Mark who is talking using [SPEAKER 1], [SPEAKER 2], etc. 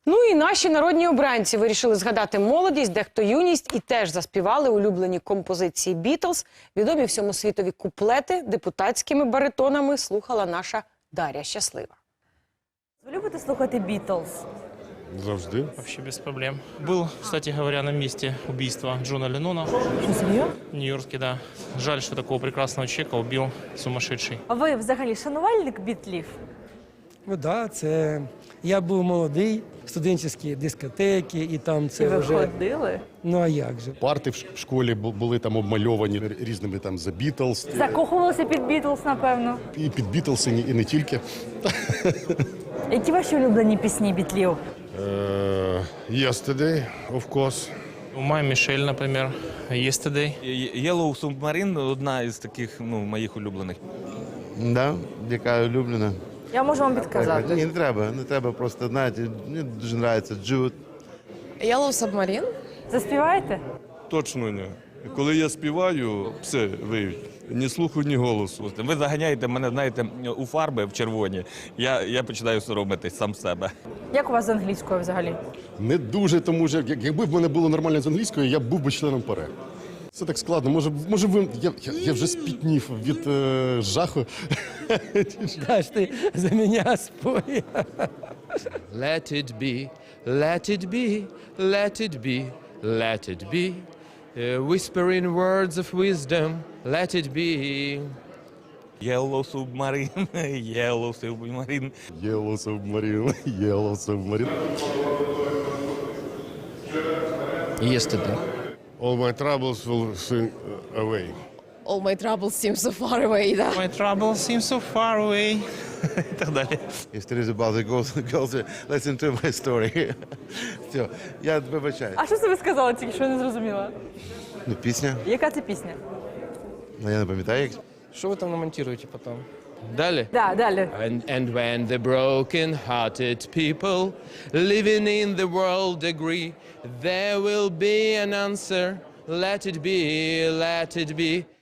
[SPEAKER 1] Ну і наші народні обранці вирішили згадати молодість, дехто юність і теж заспівали улюблені композиції «Бітлз». Відомі всьому світові куплети депутатськими баритонами слухала наша Дар'я Щаслива.
[SPEAKER 2] Ви любите слухати «Бітлз»?
[SPEAKER 3] Завжди.
[SPEAKER 4] Вообще без проблем. Был, кстати говоря, на месте убийства Джона Леннона.
[SPEAKER 2] Що, серйозно?
[SPEAKER 4] В Нью-Йорке, да. Жаль, что такого прекрасного человека убил сумасшедший.
[SPEAKER 2] А ви взагалі шанувальник Бітлів?
[SPEAKER 5] Ну да, це я був молодий, студентські дискотеки, і там це
[SPEAKER 2] І ви
[SPEAKER 5] вже.
[SPEAKER 2] ходили?
[SPEAKER 5] Ну а як же?
[SPEAKER 3] Парти в школі були там обмальовані різними там The Beatles.
[SPEAKER 2] Закохувалися під «Бітлз», напевно.
[SPEAKER 3] І під Beatles, і не тільки.
[SPEAKER 2] Які ваші улюблені пісні Бітлів?
[SPEAKER 3] Yesterday, of course.
[SPEAKER 4] У Май Мішель, например, Yesterday.
[SPEAKER 6] Yellow Submarine – одна із таких моїх улюблених.
[SPEAKER 7] Да, яка улюблена.
[SPEAKER 2] Я можу вам підказати.
[SPEAKER 7] Ні, не треба просто, знаєте, мені дуже подобається Jude.
[SPEAKER 8] Yellow Submarine?
[SPEAKER 2] Заспіваєте?
[SPEAKER 9] Точно ні. Коли я співаю, все виють. Ні слуху, ні голосу.
[SPEAKER 6] Ви заганяєте мене, знаєте, у фарби в червоні. Я починаю соромитись сам себе.
[SPEAKER 2] Як у вас з англійською взагалі?
[SPEAKER 3] Не дуже, тому що якби в мене було нормально з англійською, я б був би членом ПАРЕ. Це так складно. Може ви... Я вже спітнів від жаху.
[SPEAKER 5] Даш ти за мене спой.
[SPEAKER 10] Let it be, let it be, let it be, let it be. Whispering words of wisdom, let it be.
[SPEAKER 6] Yellow Submarine, Yellow Submarine.
[SPEAKER 3] Yellow Submarine, Yellow Submarine.
[SPEAKER 10] Yesterday.
[SPEAKER 3] All my troubles will soon away.
[SPEAKER 8] All my troubles seem so far away, да?
[SPEAKER 4] My trouble seems so far away. І так далі.
[SPEAKER 7] If there is about the girls, listen to my story. Все, я вибачаю.
[SPEAKER 2] А що це ви сказали, тільки що я не зрозуміла?
[SPEAKER 7] Ну, пісня,
[SPEAKER 2] Яка це пісня?
[SPEAKER 7] ну, я не пам'ятаю, як.
[SPEAKER 10] Що ви там намонтуєте потім? Далі?
[SPEAKER 2] Да, далі.
[SPEAKER 10] And when the broken-hearted people living in the world agree, there will be an answer. Let it be, let it be.